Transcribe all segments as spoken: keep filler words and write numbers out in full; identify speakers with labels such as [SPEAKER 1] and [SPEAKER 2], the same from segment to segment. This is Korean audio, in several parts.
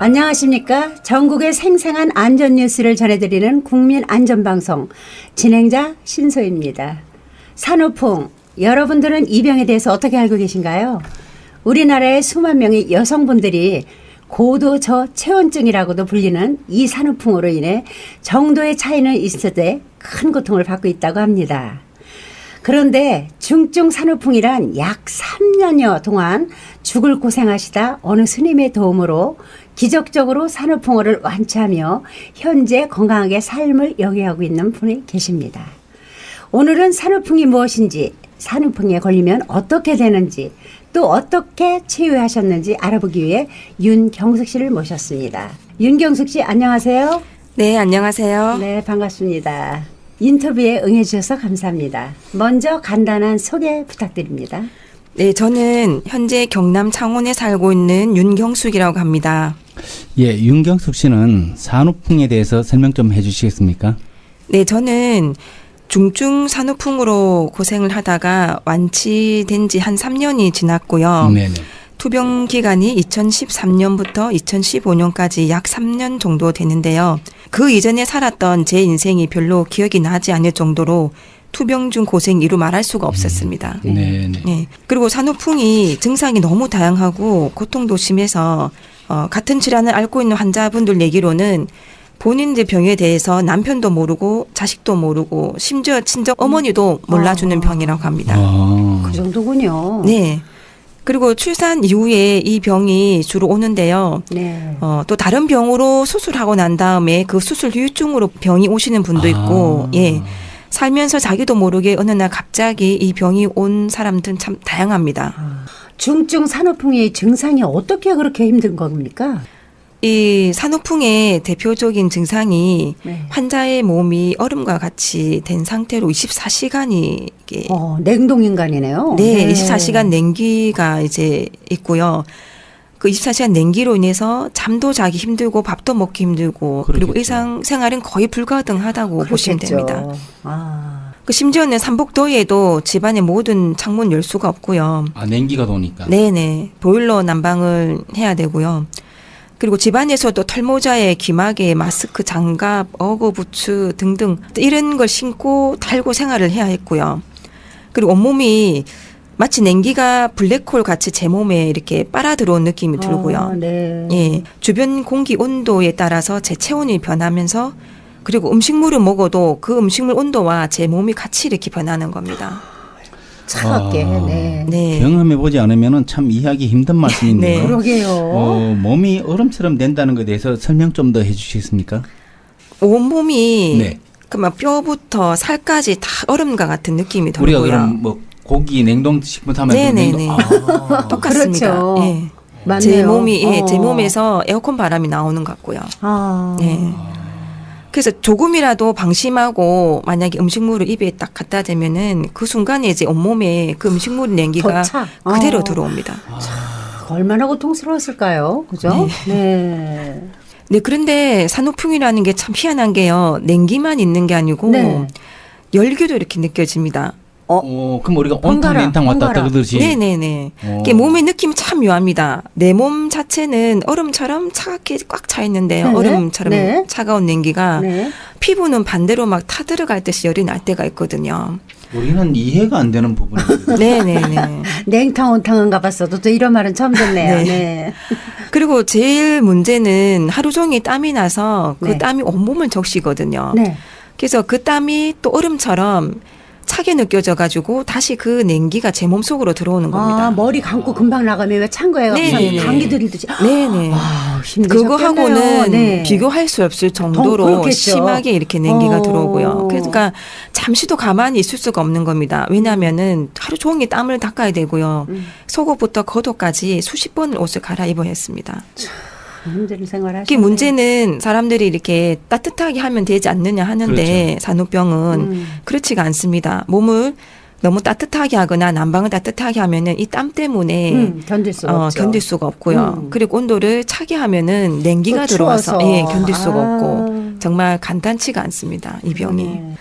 [SPEAKER 1] 안녕하십니까. 전국의 생생한 안전 뉴스를 전해드리는 국민안전방송 진행자 신소희입니다. 산후풍, 여러분들은 이 병에 대해서 어떻게 알고 계신가요? 우리나라의 수만 명의 여성분들이 고도 저체온증이라고도 불리는 이 산후풍으로 인해 정도의 차이는 있어도 큰 고통을 받고 있다고 합니다. 그런데 중증 산후풍이란 약 삼 년여 동안 죽을 고생하시다 어느 스님의 도움으로 기적적으로 산후풍어를 완치하며 현재 건강하게 삶을 영위하고 있는 분이 계십니다. 오늘은 산후풍이 무엇인지, 산후풍에 걸리면 어떻게 되는지, 또 어떻게 치유하셨는지 알아보기 위해 윤경숙 씨를 모셨습니다. 윤경숙 씨 안녕하세요.
[SPEAKER 2] 네, 안녕하세요.
[SPEAKER 1] 네, 반갑습니다. 인터뷰에 응해주셔서 감사합니다. 먼저 간단한 소개 부탁드립니다.
[SPEAKER 2] 네, 저는 현재 경남 창원에 살고 있는 윤경숙이라고 합니다.
[SPEAKER 3] 예, 윤경숙 씨는 산후풍에 대해서 설명 좀 해주시겠습니까?
[SPEAKER 2] 네, 저는 중증 산후풍으로 고생을 하다가 완치된 지 한 삼 년이 지났고요.
[SPEAKER 3] 네네.
[SPEAKER 2] 투병 기간이 이천십삼 년부터 이천십오 년까지 약 삼 년 정도 되는데요. 그 이전에 살았던 제 인생이 별로 기억이 나지 않을 정도로 투병 중 고생이 이루 말할 수가 없었습니다.
[SPEAKER 3] 음, 네네.
[SPEAKER 2] 네. 그리고 산후풍이 증상이 너무 다양하고 고통도 심해서 어, 같은 질환을 앓고 있는 환자분들 얘기로는 본인들 병에 대해서 남편도 모르고 자식도 모르고 심지어 친정 어머니도 몰라주는
[SPEAKER 1] 아.
[SPEAKER 2] 병이라고 합니다.
[SPEAKER 3] 아,
[SPEAKER 1] 그 정도군요.
[SPEAKER 2] 네. 그리고 출산 이후에 이 병이 주로 오는데요.
[SPEAKER 1] 네.
[SPEAKER 2] 어, 또 다른 병으로 수술하고 난 다음에 그 수술 후유증으로 병이 오시는 분도 있고,
[SPEAKER 3] 아.
[SPEAKER 2] 예. 살면서 자기도 모르게 어느 날 갑자기 이 병이 온 사람들은 참 다양합니다.
[SPEAKER 1] 중증 산후풍의 증상이 어떻게 그렇게 힘든 겁니까?
[SPEAKER 2] 이 산후풍의 대표적인 증상이
[SPEAKER 1] 네.
[SPEAKER 2] 환자의 몸이 얼음과 같이 된 상태로 이십사 시간이 이게
[SPEAKER 1] 어, 냉동인간이네요.
[SPEAKER 2] 네, 이십사 시간 냉기가 이제 있고요. 그 이십사 시간 냉기로 인해서 잠도 자기 힘들고 밥도 먹기 힘들고 그리고
[SPEAKER 3] 그러겠죠.
[SPEAKER 2] 일상생활은 거의 불가능하다고 보시면
[SPEAKER 1] 그렇겠죠.
[SPEAKER 2] 됩니다.
[SPEAKER 1] 아.
[SPEAKER 2] 그 심지어는 삼복더위에도 집안의 모든 창문 열 수가 없고요.
[SPEAKER 3] 아 냉기가 도니까.
[SPEAKER 2] 네네. 보일러 난방을 해야 되고요. 그리고 집안에서도 털모자에 귀마개, 마스크, 장갑, 어구, 부츠 등등 이런 걸 신고 달고 생활을 해야 했고요. 그리고 온몸이 마치 냉기가 블랙홀 같이 제 몸에 이렇게 빨아 들어온 느낌이 들고요.
[SPEAKER 1] 아, 네.
[SPEAKER 2] 예, 주변 공기 온도에 따라서 제 체온이 변하면서 그리고 음식물을 먹어도 그 음식물 온도와 제 몸이 같이 이렇게 변하는 겁니다.
[SPEAKER 1] 차갑게.
[SPEAKER 3] 아.
[SPEAKER 1] 네.
[SPEAKER 2] 네.
[SPEAKER 3] 경험해 보지 않으면은 참 이해하기 힘든 말씀인데요.
[SPEAKER 2] 네.
[SPEAKER 1] 그러게요.
[SPEAKER 3] 어, 몸이 얼음처럼 된다는 것에 대해서 설명 좀 더 해주시겠습니까?
[SPEAKER 2] 온몸이
[SPEAKER 3] 네.
[SPEAKER 2] 그막 뼈부터 살까지 다 얼음과 같은 느낌이
[SPEAKER 3] 우리가
[SPEAKER 2] 들고요.
[SPEAKER 3] 그럼 뭐 고기 냉동식품 하면
[SPEAKER 2] 네네네.
[SPEAKER 3] 아,
[SPEAKER 2] 똑같습니다.
[SPEAKER 1] 그렇죠.
[SPEAKER 2] 예.
[SPEAKER 1] 맞네요.
[SPEAKER 2] 제 몸이 예,
[SPEAKER 1] 어.
[SPEAKER 2] 제 몸에서 에어컨 바람이 나오는 것 같고요.
[SPEAKER 1] 아.
[SPEAKER 2] 네. 그래서 조금이라도 방심하고 만약에 음식물을 입에 딱 갖다 대면은 그 순간에 이제 온몸에 그 음식물 냉기가
[SPEAKER 1] 더 차.
[SPEAKER 2] 그대로
[SPEAKER 1] 어.
[SPEAKER 2] 들어옵니다.
[SPEAKER 1] 얼마나 고통스러웠을까요? 그죠? 네.
[SPEAKER 2] 네, 그런데 산후풍이라는 게 참 희한한 게요. 냉기만 있는 게 아니고
[SPEAKER 1] 네.
[SPEAKER 2] 열기도 이렇게 느껴집니다.
[SPEAKER 3] 어, 그럼 우리가 온탕
[SPEAKER 1] 번갈아,
[SPEAKER 3] 냉탕 왔다 갔다
[SPEAKER 1] 번갈아.
[SPEAKER 3] 그러듯이.
[SPEAKER 2] 네네네.
[SPEAKER 3] 어.
[SPEAKER 2] 이게 몸의 느낌이 참 묘합니다. 내 몸 자체는 얼음처럼 차갑게 꽉 차 있는데요.
[SPEAKER 1] 네.
[SPEAKER 2] 얼음처럼
[SPEAKER 1] 네.
[SPEAKER 2] 차가운 냉기가
[SPEAKER 1] 네.
[SPEAKER 2] 피부는 반대로 막 타들어갈 듯이 열이 날 때가 있거든요.
[SPEAKER 3] 우리는 이해가 안 되는 부분이거든요.
[SPEAKER 2] 네네네.
[SPEAKER 1] 냉탕 온탕은 가봤어도 또 이런 말은 처음 듣네요.
[SPEAKER 2] 네.
[SPEAKER 1] 네.
[SPEAKER 2] 그리고 제일 문제는 하루 종일 땀이 나서 그
[SPEAKER 1] 네.
[SPEAKER 2] 땀이 온몸을 적시거든요.
[SPEAKER 1] 네.
[SPEAKER 2] 그래서 그 땀이 또 얼음처럼 차게 느껴져가지고 다시 그 냉기가 제 몸속으로 들어오는 겁니다.
[SPEAKER 1] 아, 머리 감고 금방 나가면 왜 찬 거예요?
[SPEAKER 2] 네네네.
[SPEAKER 1] 감기 들듯이.
[SPEAKER 2] 네네.
[SPEAKER 1] 아, 힘드셨겠네요.
[SPEAKER 2] 그거하고는
[SPEAKER 1] 네.
[SPEAKER 2] 비교할 수 없을
[SPEAKER 1] 더
[SPEAKER 2] 정도로
[SPEAKER 1] 그렇겠죠.
[SPEAKER 2] 심하게 이렇게 냉기가
[SPEAKER 1] 어.
[SPEAKER 2] 들어오고요. 그러니까 잠시도 가만히 있을 수가 없는 겁니다. 왜냐하면은 하루 종일 땀을 닦아야 되고요.
[SPEAKER 1] 음.
[SPEAKER 2] 속옷부터 겉옷까지 수십 번을 옷을 갈아입어야 했습니다.
[SPEAKER 1] 힘든 생활 하시네.
[SPEAKER 2] 특히 문제는 사람들이 이렇게 따뜻하게 하면 되지 않느냐 하는데
[SPEAKER 3] 그렇죠.
[SPEAKER 2] 산후병은
[SPEAKER 1] 음.
[SPEAKER 2] 그렇지가 않습니다. 몸을 너무 따뜻하게 하거나 난방을 따뜻하게 하면은 이 땀 때문에
[SPEAKER 1] 음, 견딜 수가
[SPEAKER 2] 어,
[SPEAKER 1] 없죠.
[SPEAKER 2] 견딜 수가 없고요.
[SPEAKER 1] 음.
[SPEAKER 2] 그리고 온도를 차게 하면은 냉기가
[SPEAKER 1] 또
[SPEAKER 2] 들어와서
[SPEAKER 1] 추워서.
[SPEAKER 2] 예, 견딜 수가
[SPEAKER 1] 아.
[SPEAKER 2] 없고 정말 간단치가 않습니다. 이 병이.
[SPEAKER 1] 네.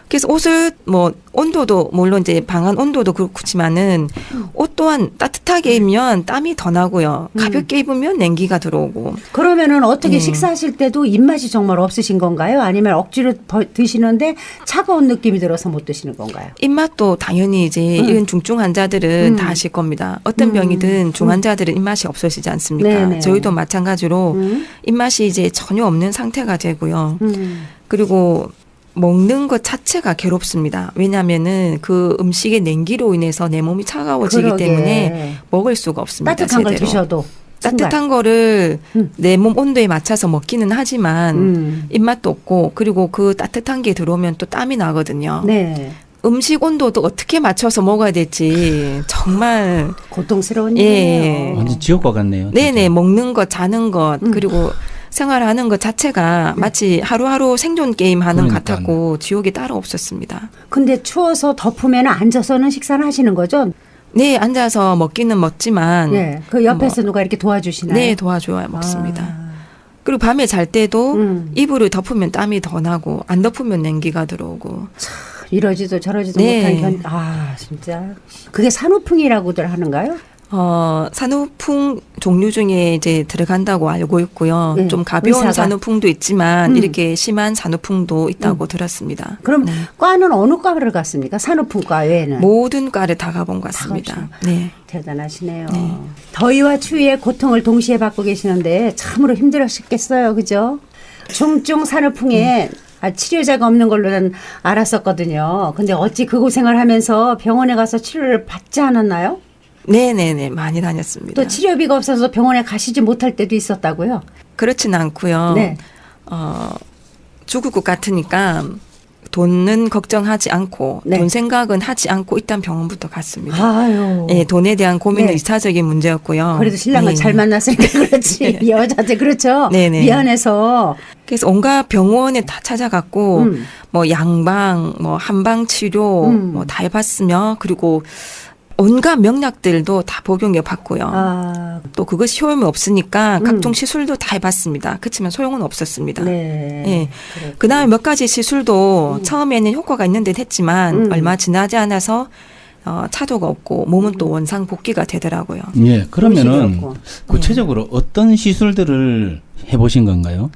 [SPEAKER 2] 그래서 옷을 뭐 온도도 물론 이제 방안 온도도 그렇지만은 옷 또한 따뜻하게 입으면 땀이 더 나고요. 가볍게 입으면 냉기가 들어오고.
[SPEAKER 1] 그러면은 어떻게
[SPEAKER 2] 네.
[SPEAKER 1] 식사하실 때도 입맛이 정말 없으신 건가요? 아니면 억지로 버- 드시는데 차가운 느낌이 들어서 못 드시는 건가요?
[SPEAKER 2] 입맛도 당연히 이제 이런 중증 환자들은
[SPEAKER 1] 음.
[SPEAKER 2] 다 아실 겁니다. 어떤
[SPEAKER 1] 음.
[SPEAKER 2] 병이든 중환자들은 입맛이 없으시지 않습니까?
[SPEAKER 1] 네네.
[SPEAKER 2] 저희도 마찬가지로
[SPEAKER 1] 음.
[SPEAKER 2] 입맛이 이제 전혀 없는 상태가 되고요.
[SPEAKER 1] 음.
[SPEAKER 2] 그리고 먹는 것 자체가 괴롭습니다. 왜냐하면은 그 음식의 냉기로 인해서 내 몸이 차가워지기
[SPEAKER 1] 그러게.
[SPEAKER 2] 때문에 먹을 수가 없습니다.
[SPEAKER 1] 따뜻한 걸
[SPEAKER 2] 제대로.
[SPEAKER 1] 드셔도
[SPEAKER 2] 따뜻한 거를
[SPEAKER 1] 음.
[SPEAKER 2] 내 몸 온도에 맞춰서 먹기는 하지만
[SPEAKER 1] 음.
[SPEAKER 2] 입맛도 없고 그리고 그 따뜻한 게 들어오면 또 땀이 나거든요.
[SPEAKER 1] 네.
[SPEAKER 2] 음식 온도도 어떻게 맞춰서 먹어야 될지 정말
[SPEAKER 1] 고통스러운
[SPEAKER 2] 예.
[SPEAKER 1] 일이에요.
[SPEAKER 3] 완전 지옥과 같네요.
[SPEAKER 2] 네네
[SPEAKER 3] 진짜.
[SPEAKER 2] 먹는 것 자는 것
[SPEAKER 1] 음.
[SPEAKER 2] 그리고 생활하는 것 자체가
[SPEAKER 1] 네.
[SPEAKER 2] 마치 하루하루 생존 게임 하는 것
[SPEAKER 3] 그러니까요.
[SPEAKER 2] 같았고 지옥이 따로 없었습니다.
[SPEAKER 1] 근데 추워서 덮으면 앉아서는 식사를 하시는 거죠?
[SPEAKER 2] 네 앉아서 먹기는 먹지만
[SPEAKER 1] 예. 그 옆에서 누가 이렇게 도와주시나요?
[SPEAKER 2] 네 도와줘야 먹습니다.
[SPEAKER 1] 아.
[SPEAKER 2] 그리고 밤에 잘 때도
[SPEAKER 1] 음.
[SPEAKER 2] 이불을 덮으면 땀이 더 나고 안 덮으면 냉기가 들어오고
[SPEAKER 1] 이러지도 저러지도
[SPEAKER 2] 네.
[SPEAKER 1] 못한 견. 아 진짜. 그게 산후풍이라고들 하는가요?
[SPEAKER 2] 어, 산후풍 종류 중에 이제 들어간다고 알고 있고요.
[SPEAKER 1] 네,
[SPEAKER 2] 좀 가벼운
[SPEAKER 1] 의사가.
[SPEAKER 2] 산후풍도 있지만
[SPEAKER 1] 음.
[SPEAKER 2] 이렇게 심한 산후풍도 있다고 들었습니다.
[SPEAKER 1] 그럼
[SPEAKER 2] 네.
[SPEAKER 1] 과는 어느 과를 갔습니까? 산후풍과 외에는.
[SPEAKER 2] 모든 과를 다 가본 것 같습니다.
[SPEAKER 1] 가보죠.
[SPEAKER 2] 네.
[SPEAKER 1] 대단하시네요.
[SPEAKER 2] 네.
[SPEAKER 1] 더위와 추위의 고통을 동시에 받고 계시는데 참으로 힘들었겠어요. 그죠? 중증 산후풍에 아, 치료자가 없는 걸로는 알았었거든요. 근데 어찌 그 고생을 하면서 병원에 가서 치료를 받지 않았나요?
[SPEAKER 2] 네네네. 많이 다녔습니다.
[SPEAKER 1] 또 치료비가 없어서 병원에 가시지 못할 때도 있었다고요?
[SPEAKER 2] 그렇진 않고요.
[SPEAKER 1] 네.
[SPEAKER 2] 어, 죽을 것 같으니까 돈은 걱정하지 않고
[SPEAKER 1] 네.
[SPEAKER 2] 돈 생각은 하지 않고 일단 병원부터 갔습니다.
[SPEAKER 1] 아유.
[SPEAKER 2] 예, 돈에 대한 고민은
[SPEAKER 1] 네.
[SPEAKER 2] 이차적인 문제였고요.
[SPEAKER 1] 그래도 신랑을
[SPEAKER 2] 네.
[SPEAKER 1] 잘 만났으니까 그렇지. 여자들 그렇죠.
[SPEAKER 2] 네네.
[SPEAKER 1] 미안해서.
[SPEAKER 2] 그래서 온갖 병원에 다 찾아갔고
[SPEAKER 1] 음.
[SPEAKER 2] 뭐 양방, 뭐 한방 치료
[SPEAKER 1] 음.
[SPEAKER 2] 뭐 다 해봤으며 그리고 온갖 명약들도 다 복용해 봤고요.
[SPEAKER 1] 아,
[SPEAKER 2] 또 그것이 효험이 없으니까
[SPEAKER 1] 음.
[SPEAKER 2] 각종 시술도 다 해봤습니다. 그렇지만 소용은 없었습니다.
[SPEAKER 1] 네.
[SPEAKER 2] 예.
[SPEAKER 1] 그래.
[SPEAKER 2] 그다음에 몇 가지 시술도 처음에는 효과가 있는 듯 했지만
[SPEAKER 1] 음.
[SPEAKER 2] 얼마 지나지 않아서 어, 차도가 없고 몸은 또 원상 복귀가 되더라고요.
[SPEAKER 3] 예, 그러면은
[SPEAKER 1] 음식이었고.
[SPEAKER 3] 구체적으로 어떤 시술들을 해보신 건가요?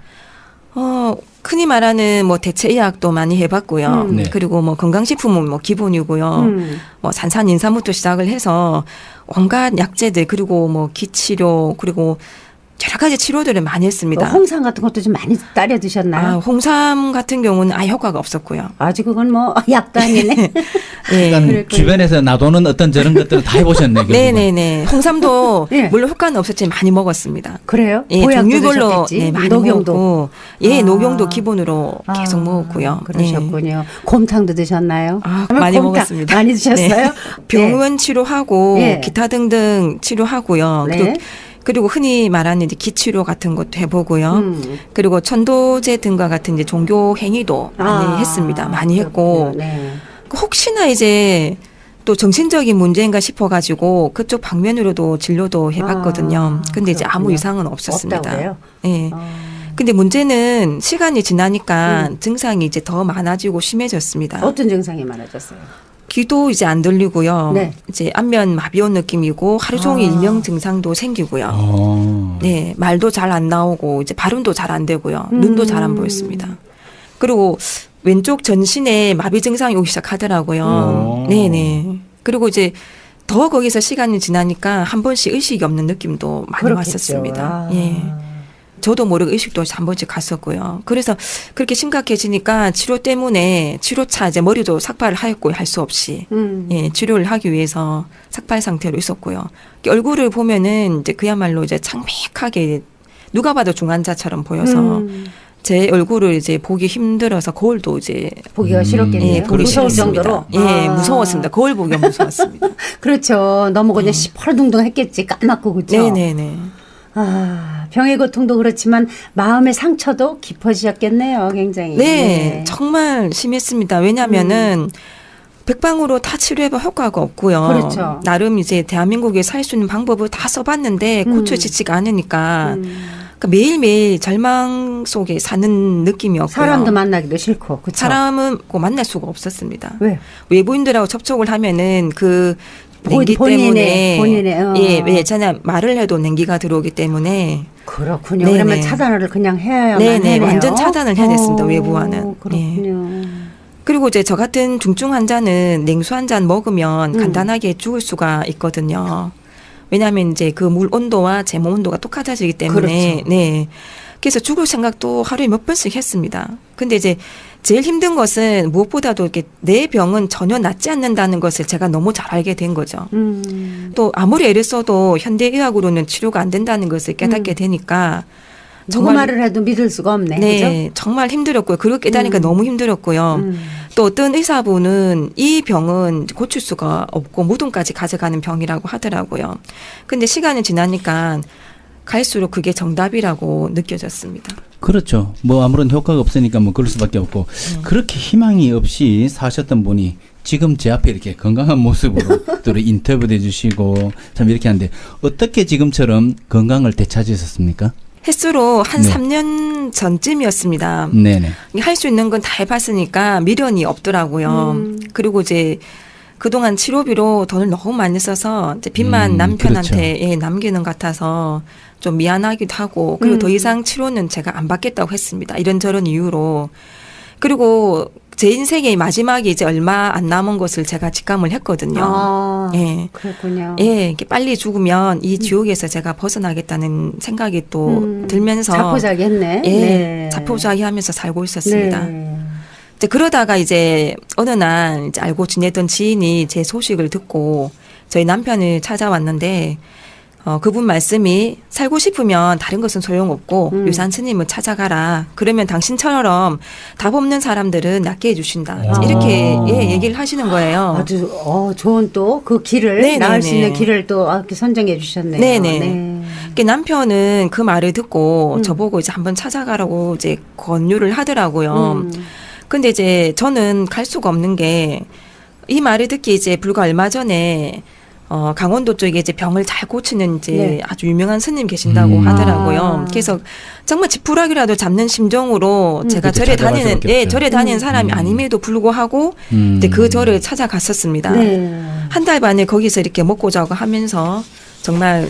[SPEAKER 2] 어, 흔히 말하는 뭐 대체 의학도 많이 해봤고요.
[SPEAKER 1] 음.
[SPEAKER 3] 네.
[SPEAKER 2] 그리고 뭐 건강식품은 뭐 기본이고요.
[SPEAKER 1] 음.
[SPEAKER 2] 뭐 산산인삼부터 시작을 해서 온갖 약재들 그리고 뭐 기치료 그리고 여러 가지 치료들을 많이 했습니다.
[SPEAKER 1] 뭐 홍삼 같은 것도 좀 많이 따려 드셨나요?
[SPEAKER 2] 아, 홍삼 같은 경우는 아예 효과가 없었고요.
[SPEAKER 1] 아주 그건 뭐 약도 아니네.
[SPEAKER 2] 예.
[SPEAKER 3] 그러니까
[SPEAKER 1] 그랬군요.
[SPEAKER 3] 주변에서 놔두는 어떤 저런 것들을 다 해보셨네. 결국은.
[SPEAKER 2] 네네네. 홍삼도
[SPEAKER 1] 예.
[SPEAKER 2] 물론 효과는 없었지만 많이 먹었습니다.
[SPEAKER 1] 그래요?
[SPEAKER 2] 예,
[SPEAKER 1] 보약도
[SPEAKER 2] 종류별로
[SPEAKER 1] 드셨겠지?
[SPEAKER 2] 네, 많이
[SPEAKER 1] 녹용도.
[SPEAKER 2] 먹었고, 예,
[SPEAKER 1] 아.
[SPEAKER 2] 녹용도 기본으로 계속
[SPEAKER 1] 아,
[SPEAKER 2] 먹었고요.
[SPEAKER 1] 그러셨군요. 곰탕도 드셨나요?
[SPEAKER 2] 아,
[SPEAKER 1] 그러면
[SPEAKER 2] 많이
[SPEAKER 1] 곰탕
[SPEAKER 2] 먹었습니다.
[SPEAKER 1] 많이 드셨어요?
[SPEAKER 2] 네. 병원 치료하고
[SPEAKER 1] 네.
[SPEAKER 2] 기타 등등 치료하고요.
[SPEAKER 1] 네.
[SPEAKER 2] 그리고, 그리고 흔히 말하는 이제 기치료 같은 것도 해보고요.
[SPEAKER 1] 음.
[SPEAKER 2] 그리고 천도제 등과 같은 이제 종교 행위도 많이
[SPEAKER 1] 아,
[SPEAKER 2] 했습니다. 많이 했고,
[SPEAKER 1] 그렇군요. 네.
[SPEAKER 2] 그 혹시나 이제 또 정신적인 문제인가 싶어가지고 그쪽 방면으로도 진료도 해봤거든요.
[SPEAKER 1] 아,
[SPEAKER 2] 근데 이제 아무
[SPEAKER 1] 그렇군요.
[SPEAKER 2] 이상은 없었습니다.
[SPEAKER 1] 없다고 해요?
[SPEAKER 2] 예.
[SPEAKER 1] 어.
[SPEAKER 2] 근데 문제는 시간이 지나니까
[SPEAKER 1] 음.
[SPEAKER 2] 증상이 이제 더 많아지고 심해졌습니다.
[SPEAKER 1] 어떤 증상이 많아졌어요?
[SPEAKER 2] 귀도 이제 안 들리고요.
[SPEAKER 1] 네.
[SPEAKER 2] 이제 안면 마비 온 느낌이고 하루 종일
[SPEAKER 1] 아.
[SPEAKER 2] 일명 증상도 생기고요.
[SPEAKER 3] 어.
[SPEAKER 2] 네, 말도 잘 안 나오고 이제 발음도 잘 안 되고요.
[SPEAKER 1] 음.
[SPEAKER 2] 눈도 잘 안 보였습니다. 그리고 왼쪽 전신에 마비 증상이 오기 시작하더라고요.
[SPEAKER 3] 음.
[SPEAKER 2] 네네. 그리고 이제 더 거기서 시간이 지나니까 한 번씩 의식이 없는 느낌도 많이
[SPEAKER 1] 그렇겠죠.
[SPEAKER 2] 왔었습니다.
[SPEAKER 1] 아.
[SPEAKER 2] 예. 저도 모르게 의식도 한 번씩 갔었고요. 그래서 그렇게 심각해지니까 치료 때문에 치료차 이제 머리도 삭발을 하였고 할 수 없이
[SPEAKER 1] 음.
[SPEAKER 2] 예, 치료를 하기 위해서 삭발 상태로 있었고요. 얼굴을 보면은 이제 그야말로 이제 창백하게 누가 봐도 중환자처럼 보여서
[SPEAKER 1] 음.
[SPEAKER 2] 제 얼굴을 이제 보기 힘들어서 거울도 이제
[SPEAKER 1] 보기가
[SPEAKER 3] 음.
[SPEAKER 1] 싫었겠네요.
[SPEAKER 2] 예, 보기
[SPEAKER 1] 무서울
[SPEAKER 2] 싫었습니다.
[SPEAKER 1] 정도로.
[SPEAKER 2] 예,
[SPEAKER 1] 아.
[SPEAKER 2] 무서웠습니다. 거울 보기가 무서웠습니다.
[SPEAKER 1] 그렇죠. 너무 그냥 시퍼둥둥했겠지. 까맣고 그죠.
[SPEAKER 2] 네, 네, 네.
[SPEAKER 1] 아, 병의 고통도 그렇지만 마음의 상처도 깊어지셨겠네요. 굉장히.
[SPEAKER 2] 네, 정말 심했습니다. 왜냐하면은 백방으로 다 치료해봐 효과가 없고요.
[SPEAKER 1] 그렇죠.
[SPEAKER 2] 나름 이제 대한민국에 살 수 있는 방법을 다 써봤는데
[SPEAKER 1] 음.
[SPEAKER 2] 고쳐지지가 않으니까
[SPEAKER 1] 음.
[SPEAKER 2] 그러니까 매일매일 절망 속에 사는 느낌이었고요.
[SPEAKER 1] 사람도 만나기도 싫고, 그쵸?
[SPEAKER 2] 사람은 꼭 만날 수가 없었습니다.
[SPEAKER 1] 왜?
[SPEAKER 2] 외부인들하고 접촉을 하면은 그
[SPEAKER 1] 본-
[SPEAKER 2] 냉기
[SPEAKER 1] 본인의-
[SPEAKER 2] 때문에
[SPEAKER 1] 본인의, 어.
[SPEAKER 2] 예, 예, 저는 말을 해도 냉기가 들어오기 때문에
[SPEAKER 1] 그렇군요.
[SPEAKER 2] 네네.
[SPEAKER 1] 그러면 차단을 그냥 해야만
[SPEAKER 2] 네네,
[SPEAKER 1] 해네요.
[SPEAKER 2] 완전 차단을 해야 됐습니다,
[SPEAKER 1] 어,
[SPEAKER 2] 외부와는.
[SPEAKER 1] 그렇군요.
[SPEAKER 2] 그리고 이제 저 같은 중증 환자는 냉수 한 잔 먹으면
[SPEAKER 1] 음.
[SPEAKER 2] 간단하게 죽을 수가 있거든요. 왜냐하면 이제 그 물 온도와 제 몸 온도가 똑같아지기 때문에
[SPEAKER 1] 그렇죠.
[SPEAKER 2] 네. 그래서 죽을 생각도 하루에 몇 번씩 했습니다. 근데 이제 제일 힘든 것은 무엇보다도 이렇게 내 병은 전혀 낫지 않는다는 것을 제가 너무 잘 알게 된 거죠.
[SPEAKER 1] 음.
[SPEAKER 2] 또 아무리 애를 써도 현대의학으로는 치료가 안 된다는 것을 깨닫게
[SPEAKER 1] 음.
[SPEAKER 2] 되니까
[SPEAKER 1] 누구
[SPEAKER 2] 정말
[SPEAKER 1] 말을 해도 믿을 수가 없네.
[SPEAKER 2] 네, 정말 힘들었고요. 그걸 깨닫니까
[SPEAKER 1] 음.
[SPEAKER 2] 너무 힘들었고요.
[SPEAKER 1] 그죠? 음.
[SPEAKER 2] 또 어떤 의사분은 이 병은 고칠 수가 없고 무덤까지 가져가는 병이라고 하더라고요. 근데 시간이 지나니까 갈수록 그게 정답이라고 느껴졌습니다.
[SPEAKER 3] 그렇죠. 뭐 아무런 효과가 없으니까 뭐 그럴 수밖에 없고 그렇게 희망이 없이 사셨던 분이 지금 제 앞에 이렇게 건강한 모습으로 또 인터뷰도 해주시고 참 이렇게 하는데 어떻게 지금처럼 건강을 되찾으셨습니까?
[SPEAKER 2] 횟수로 한
[SPEAKER 3] 네.
[SPEAKER 2] 삼 년 전쯤이었습니다.
[SPEAKER 3] 네네.
[SPEAKER 2] 할 수 있는 건 다 해봤으니까 미련이 없더라고요.
[SPEAKER 1] 음.
[SPEAKER 2] 그리고 이제 그동안 치료비로 돈을 너무 많이 써서 이제 빚만
[SPEAKER 3] 음,
[SPEAKER 2] 남편한테 예, 남기는 것 같아서 좀 미안하기도 하고 그리고
[SPEAKER 1] 음.
[SPEAKER 2] 더 이상 치료는 제가 안 받겠다고 했습니다. 이런저런 이유로. 그리고 제 인생의 마지막이 이제 얼마 안 남은 것을 제가 직감을 했거든요.
[SPEAKER 1] 아,
[SPEAKER 2] 예.
[SPEAKER 1] 그렇군요.
[SPEAKER 2] 예, 이렇게 빨리 죽으면 이 지옥에서 제가 벗어나겠다는 생각이 또
[SPEAKER 1] 음.
[SPEAKER 2] 들면서
[SPEAKER 1] 자포자기했네.
[SPEAKER 2] 예,
[SPEAKER 1] 네.
[SPEAKER 2] 자포자기하면서 살고 있었습니다.
[SPEAKER 1] 네.
[SPEAKER 2] 이제 그러다가 이제 어느 날 이제 알고 지내던 지인이 제 소식을 듣고 저희 남편을 찾아왔는데 어, 그분 말씀이 살고 싶으면 다른 것은 소용없고
[SPEAKER 1] 음.
[SPEAKER 2] 유산 스님을 찾아가라. 그러면 당신처럼 답 없는 사람들은 낫게 해주신다.
[SPEAKER 3] 아.
[SPEAKER 2] 이렇게 예, 얘기를 하시는 거예요.
[SPEAKER 1] 아주 어, 좋은 또 그 길을
[SPEAKER 2] 네네네.
[SPEAKER 1] 나을 수 있는 길을 또 아, 이렇게 선정해 주셨네요.
[SPEAKER 2] 네네.
[SPEAKER 1] 네.
[SPEAKER 2] 그 남편은 그 말을 듣고
[SPEAKER 1] 음.
[SPEAKER 2] 저보고 이제 한번 찾아가라고 이제 권유를 하더라고요.
[SPEAKER 1] 음.
[SPEAKER 2] 근데 이제 저는 갈 수가 없는 게 이 말을 듣기 이제 불과 얼마 전에 어, 강원도 쪽에 이제 병을 잘 고치는 이제
[SPEAKER 1] 네.
[SPEAKER 2] 아주 유명한 스님 계신다고
[SPEAKER 3] 음.
[SPEAKER 2] 하더라고요.
[SPEAKER 1] 아.
[SPEAKER 2] 그래서 정말 지푸라기라도 잡는 심정으로
[SPEAKER 1] 음.
[SPEAKER 2] 제가
[SPEAKER 3] 그때
[SPEAKER 2] 절에
[SPEAKER 3] 찾아갈
[SPEAKER 2] 다니는,
[SPEAKER 3] 수밖에
[SPEAKER 2] 예,
[SPEAKER 3] 없죠.
[SPEAKER 2] 절에 다니는
[SPEAKER 1] 음.
[SPEAKER 2] 사람이
[SPEAKER 3] 음.
[SPEAKER 2] 아님에도 불구하고
[SPEAKER 3] 음.
[SPEAKER 2] 이제 그 절을 찾아갔었습니다.
[SPEAKER 1] 네.
[SPEAKER 2] 한 달 반을 거기서 이렇게 먹고 자고 하면서 정말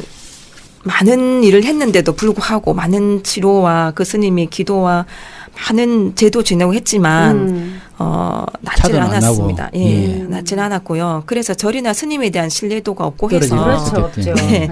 [SPEAKER 2] 많은 일을 했는데도 불구하고 많은 치료와 그 스님의 기도와 많은 제도 지내고 했지만
[SPEAKER 1] 음.
[SPEAKER 2] 어, 낫지를
[SPEAKER 3] 차도 안
[SPEAKER 2] 않았습니다.
[SPEAKER 3] 나고.
[SPEAKER 2] 예,
[SPEAKER 3] 예.
[SPEAKER 2] 낫지는 않았고요. 그래서 절이나 스님에 대한 신뢰도가 없고 해서
[SPEAKER 3] 떨어지죠.
[SPEAKER 1] 그렇죠, 없죠.
[SPEAKER 2] 네.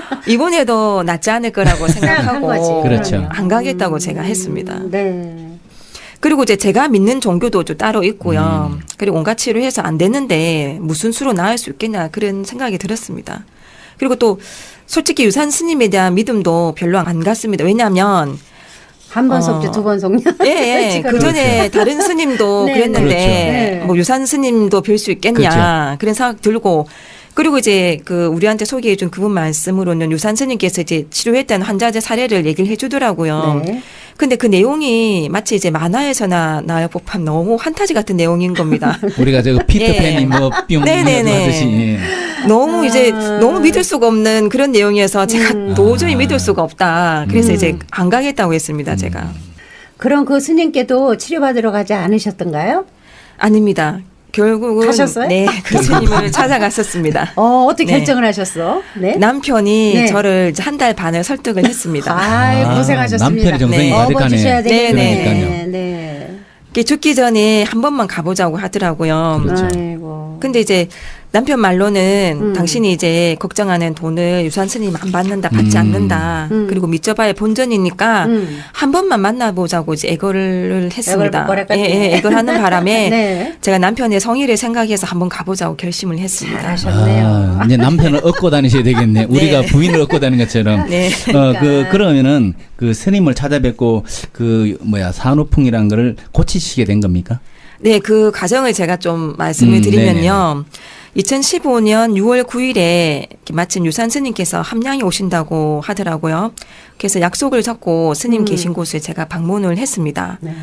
[SPEAKER 2] 이번에도 낫지 않을 거라고 생각하고
[SPEAKER 1] 거지.
[SPEAKER 3] 그렇죠.
[SPEAKER 2] 안 가겠다고
[SPEAKER 1] 음.
[SPEAKER 2] 제가 했습니다.
[SPEAKER 1] 네.
[SPEAKER 2] 그리고 이제 제가 믿는 종교도 좀 따로 있고요.
[SPEAKER 3] 음.
[SPEAKER 2] 그리고 온갖 치료해서 안 되는데 무슨 수로 나을 수 있겠냐 그런 생각이 들었습니다. 그리고 또 솔직히 유산 스님에 대한 믿음도 별로 안 갔습니다. 왜냐하면
[SPEAKER 1] 한 번
[SPEAKER 2] 어.
[SPEAKER 1] 속지 두 번 속냐?
[SPEAKER 2] 예, 예. 그 전에 다른 스님도
[SPEAKER 1] 네.
[SPEAKER 2] 그랬는데
[SPEAKER 3] 그렇죠.
[SPEAKER 1] 네.
[SPEAKER 2] 뭐 유산 스님도 뵐 수 있겠냐
[SPEAKER 3] 그렇죠.
[SPEAKER 2] 그런 생각 들고 그리고 이제 그 우리한테 소개해준 그분 말씀으로는 유산 스님께서 이제 치료했다는 환자들 사례를 얘기를 해주더라고요.
[SPEAKER 1] 네.
[SPEAKER 2] 근데 그 내용이 마치 이제 만화에서나 나올 법한 너무 환타지 같은 내용인 겁니다.
[SPEAKER 3] 우리가 저거 피터팬이
[SPEAKER 2] 예.
[SPEAKER 3] 뭐뿅
[SPEAKER 2] 네네네.
[SPEAKER 3] 하듯이 예.
[SPEAKER 2] 너무 이제
[SPEAKER 1] 아.
[SPEAKER 2] 너무 믿을 수가 없는 그런 내용이어서 제가
[SPEAKER 1] 음.
[SPEAKER 2] 도저히
[SPEAKER 3] 아.
[SPEAKER 2] 믿을 수가 없다. 그래서
[SPEAKER 1] 음.
[SPEAKER 2] 이제 안 가겠다고 했습니다. 제가.
[SPEAKER 1] 그럼 그 스님께도 치료받으러 가지 않으셨던가요?
[SPEAKER 2] 아닙니다. 결국은
[SPEAKER 1] 가셨어요?
[SPEAKER 2] 네, 그 스님을 찾아갔었습니다.
[SPEAKER 1] 어, 어떻게
[SPEAKER 2] 네.
[SPEAKER 1] 결정을 하셨어? 네.
[SPEAKER 2] 남편이
[SPEAKER 1] 네.
[SPEAKER 2] 저를 한 달 반을 설득을 했습니다.
[SPEAKER 1] 아이,
[SPEAKER 3] 아,
[SPEAKER 1] 고생하셨습니다.
[SPEAKER 3] 남편이 정성이
[SPEAKER 2] 네.
[SPEAKER 3] 가득하네.
[SPEAKER 1] 업어주셔야 되겠네.
[SPEAKER 3] 그러니까요.
[SPEAKER 1] 네.
[SPEAKER 2] 이렇게 죽기 전에 한 번만 가보자고 하더라고요.
[SPEAKER 3] 그렇죠.
[SPEAKER 1] 아이고.
[SPEAKER 2] 근데 이제 남편 말로는
[SPEAKER 1] 음.
[SPEAKER 2] 당신이 이제 걱정하는 돈을 유산 스님 안 받는다, 받지
[SPEAKER 3] 음.
[SPEAKER 2] 않는다.
[SPEAKER 1] 음.
[SPEAKER 2] 그리고 믿져봐야 본전이니까
[SPEAKER 1] 음.
[SPEAKER 2] 한 번만 만나보자고 이제 애걸을 했습니다.
[SPEAKER 1] 애걸
[SPEAKER 2] 예, 예, 애걸하는 바람에
[SPEAKER 1] 네.
[SPEAKER 2] 제가 남편의 성의를 생각해서 한번 가보자고 결심을 했습니다.
[SPEAKER 1] 잘하셨네요.
[SPEAKER 3] 아, 이제 남편을 얻고 다니셔야 되겠네. 우리가 부인을 얻고 다니는 것처럼.
[SPEAKER 2] 네.
[SPEAKER 3] 어, 그,
[SPEAKER 1] 그러니까.
[SPEAKER 3] 그러면은 그 스님을 찾아뵙고 그 뭐야 산후풍이란 거를 고치시게 된 겁니까?
[SPEAKER 2] 네, 그 과정을 제가 좀 말씀을
[SPEAKER 3] 음,
[SPEAKER 2] 드리면요. 이천십오 년 유월 구일에 마침 유산 스님께서 함양에 오신다고 하더라고요. 그래서 약속을 잡고 스님
[SPEAKER 1] 음.
[SPEAKER 2] 계신 곳에 제가 방문을 했습니다.
[SPEAKER 1] 네.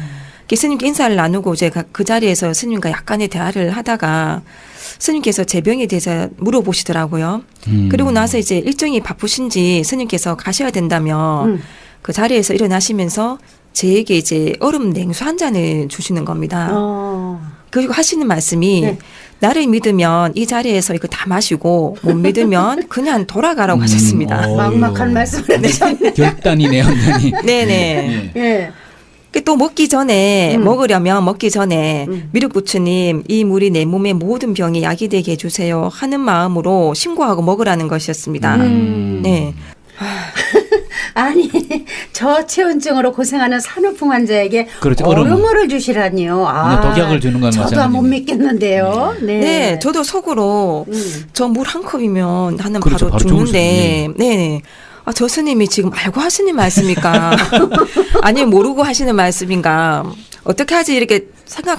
[SPEAKER 2] 스님께 인사를 나누고 이제 그 자리에서 스님과 약간의 대화를 하다가 스님께서 제 병에 대해서 물어보시더라고요.
[SPEAKER 3] 음.
[SPEAKER 2] 그리고 나서 이제 일정이 바쁘신지 스님께서 가셔야 된다면
[SPEAKER 1] 음.
[SPEAKER 2] 그 자리에서 일어나시면서 제게 이제 얼음 냉수 한 잔을 주시는 겁니다.
[SPEAKER 1] 어.
[SPEAKER 2] 그리고 하시는 말씀이
[SPEAKER 1] 네.
[SPEAKER 2] 나를 믿으면 이 자리에서 이거 다 마시고 못 믿으면 그냥 돌아가라고
[SPEAKER 3] 음,
[SPEAKER 2] 하셨습니다.
[SPEAKER 3] 어.
[SPEAKER 1] 막막한 말씀을 하셨네.
[SPEAKER 3] 결단이네 완전히.
[SPEAKER 2] 네네.
[SPEAKER 3] 예.
[SPEAKER 1] 예.
[SPEAKER 2] 그 또 먹기 전에
[SPEAKER 1] 음.
[SPEAKER 2] 먹으려면 먹기 전에
[SPEAKER 1] 음.
[SPEAKER 2] 미륵부처님 이 물이 내 몸의 모든 병에 약이 되게 해주세요 하는 마음으로 신고하고 먹으라는 것이었습니다.
[SPEAKER 1] 음.
[SPEAKER 2] 네.
[SPEAKER 1] 아니 저체온증으로 고생하는 산후풍 환자에게
[SPEAKER 3] 그렇죠.
[SPEAKER 1] 얼음을
[SPEAKER 3] 얼음을.
[SPEAKER 1] 주시라니요.
[SPEAKER 3] 그냥 독약을 주는 건
[SPEAKER 1] 저도 못
[SPEAKER 3] 마찬가지네.
[SPEAKER 1] 믿겠는데요. 네.
[SPEAKER 2] 네, 저도 속으로
[SPEAKER 1] 음.
[SPEAKER 2] 저 물 한 컵이면 나는
[SPEAKER 3] 그렇죠,
[SPEAKER 2] 바로
[SPEAKER 3] 바로
[SPEAKER 2] 죽는데, 네. 아, 저 스님이 지금 알고 하시는 말씀입니까? 아니면 모르고 하시는 말씀인가? 어떻게 하지 이렇게